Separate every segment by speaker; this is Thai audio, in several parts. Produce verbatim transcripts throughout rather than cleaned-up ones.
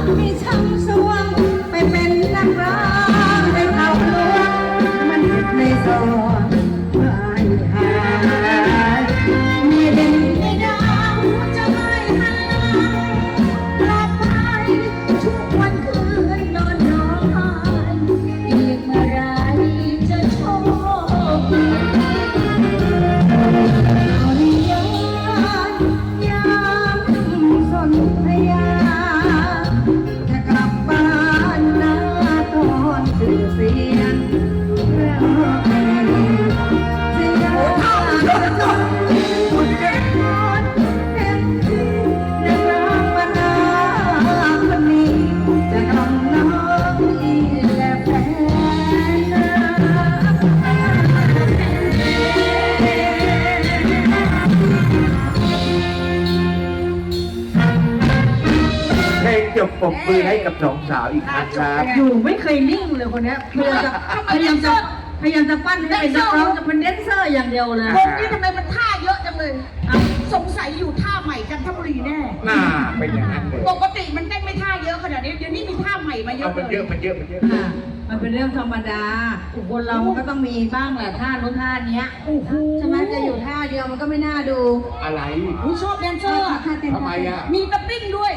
Speaker 1: มีช่างสวงไปเป็นนักร้องในเขาหลวงมันติดในซอยไม่หายไม่เด่นไม่ดังจะไม่หันกลับไปทุกวันคืนนอนร้องไห้อีกเมื่อไรจะโชคดีเอาในยามยามสนธยาจะกลับบ้านนาตอนตื่นเสียงแล้วเพลงจะยามจะจนคนเด็กคนเต็มที่และน้ำมานาคนนี้จะกำน้องอีและแฟนนา
Speaker 2: เพลงจบปรบมือให้กับสองสาวอีกครั้งครับ
Speaker 1: อยู่ไม่เคยนิ่งเลยคนเนี้ยพยายามจะพยายามจะพยายามจะปั้นให้เป็นนักร้องจะเป็นแดนเซอร์อย่างเดียวเลย
Speaker 3: วงนี้ทำไมมันท่าเยอะจังเลยสงสัยอยู่ท่าใหม่จันทบุรีแน่
Speaker 2: น่าเป็นอย่างนั้นเลย
Speaker 3: ปกติมันเต้นไม่ท่าเยอะขนาดนี้เดี๋ยวนี้มีท่าใหม่มาเย
Speaker 2: เอา
Speaker 3: อะ
Speaker 2: มัน
Speaker 3: เล
Speaker 2: เย
Speaker 3: ย
Speaker 2: อะมันเยอะมันเยอะ
Speaker 1: ค่ะมันเป็นเรื่องธรรมดาคนเรามันก็ต้องมีบ้างแหละท่าโน้นท่าเนี้ย
Speaker 3: โอ้โห
Speaker 1: ใช่ไหมจะอยู่ท่าเดียวมันก็ไม่น่าดู
Speaker 2: อะไร
Speaker 3: อุ๊ยชอบแดนเซอร์อะ
Speaker 2: ทำไมอ่ะ
Speaker 3: มีตะปิ้งด้วย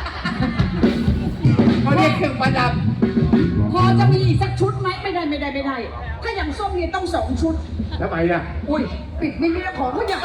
Speaker 2: เขาเรียกเครื่องประดับ
Speaker 3: พอจะมีอีกสักชุดไหมไม่ได้ไม่ได้ไม่ได้ ถ้าอย่างส้มเนี่ยต้องสองชุด
Speaker 2: ทำไมอ่ะ
Speaker 3: อุ้ยปิดไม่มีของเขาใหญ่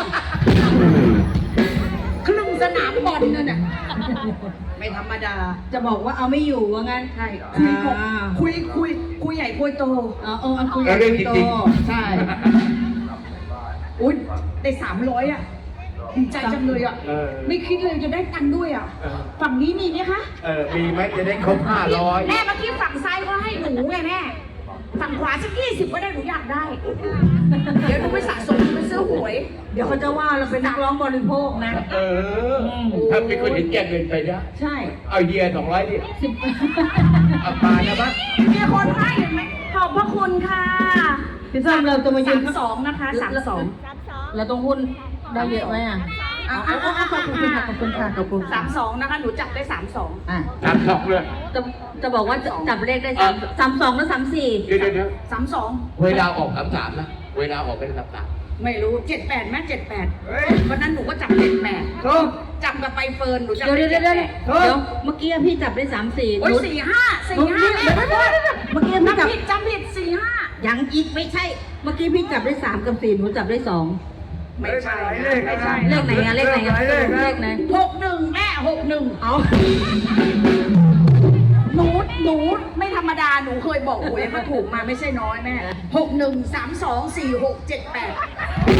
Speaker 3: ครึ่งสนามบอลนั่นน่ะไม่ธรรมดา
Speaker 1: จะบอกว่าเอาไม่อยู่ว่างั้น
Speaker 3: ใช่คุยกับคุยคุยคุยใหญ่คุยโต
Speaker 1: อ๋อเออเอาคุย
Speaker 2: เราเรื่องจริง
Speaker 3: ใช่ อุ้ยได้สามร้อยอ่ะดีใจจังเลยอ่ะ
Speaker 2: เออ
Speaker 3: ไม่คิดเลยจะได้ตังค์ด้วยอ่ะ
Speaker 2: เออ
Speaker 3: ฝั่งนี้มีไหมคะ
Speaker 2: เออมีไหมจะได้ครบห้าร้อย
Speaker 3: แม่เมื่อกี้ฝั่งซ้ายเขาให้หนูไงแม่ ฝั่งขวาสักยี่สิบก็ได้หนูอยากได้ เดี๋ยวหนูไปสะสมไปซื้อหวย
Speaker 1: เดี๋ยวเขาจะว่าเราเป็นนักร้องบริโภคนะ
Speaker 2: เออ ถ้าเป็นคนเห็นแก่เงินไปนะ
Speaker 1: ใช่
Speaker 2: เอาเฮียสองร้อยดิ
Speaker 1: สิบ
Speaker 2: เอามานะมั้ง
Speaker 3: มีคนให้เห็นไหมขอบพระคุณค่ะ
Speaker 1: พี่ส้มเราจะมายื
Speaker 3: สาน มสองนะคะสามสอง
Speaker 1: เราต้องหุ้นได้เยอะไหมอ่ะเอาเอาเอาขอบคุณค่ะขอบคุณค่ะขอบคุณ
Speaker 3: สามสองนะคะ หนูจับได้สามสอง
Speaker 1: อ่ะ
Speaker 2: สามสองเลย
Speaker 1: จะจะบอกว่าจับเลขได้สามสามสองแล้วสามสี่
Speaker 2: เดี๋ยวเดี๋ยวเดี๋ยว
Speaker 3: สามสอง
Speaker 2: เวลาออกสามสามนะ เวลาออกเป็นสามสาม
Speaker 3: ไม่รู้เจ็ดแปดแม่เจ็ดแปดวันนั้นหนูก็จับเจ็ดแปด
Speaker 2: ถูก
Speaker 3: จับกับไปเฟิร์นหนูจับ
Speaker 1: เดี๋ยวเดี๋ยวเดี๋ยวเดี๋ยว
Speaker 2: เฮ้ย
Speaker 1: เดี๋ยวเมื่อกี้พี่จับได้สามสี่
Speaker 3: โอ้ยสี่ห้าสี่ห้าแม่ขอโทษ
Speaker 1: เมื่อกี้พี่จับ
Speaker 3: จำผิดจำผิดสี่ห้า
Speaker 1: ยังอีกไม่ใช่ เมื่อกี้พี่จับได้สามกับสี่หนูจับได้สอง
Speaker 3: ไม่ใช่ไม่ใช่
Speaker 1: เลขไหนอะเลขไหนอะเลขไหน
Speaker 3: หกหนึ่งแม่หกหนึ่ง
Speaker 1: เอา
Speaker 3: หนูหนูไม่ธรรมดาหนูเคยบอกหวยก็ถูกมาไม่ใช่น้อยแม่หกหนึ่งสามสองสี่หกเจ็ดแปด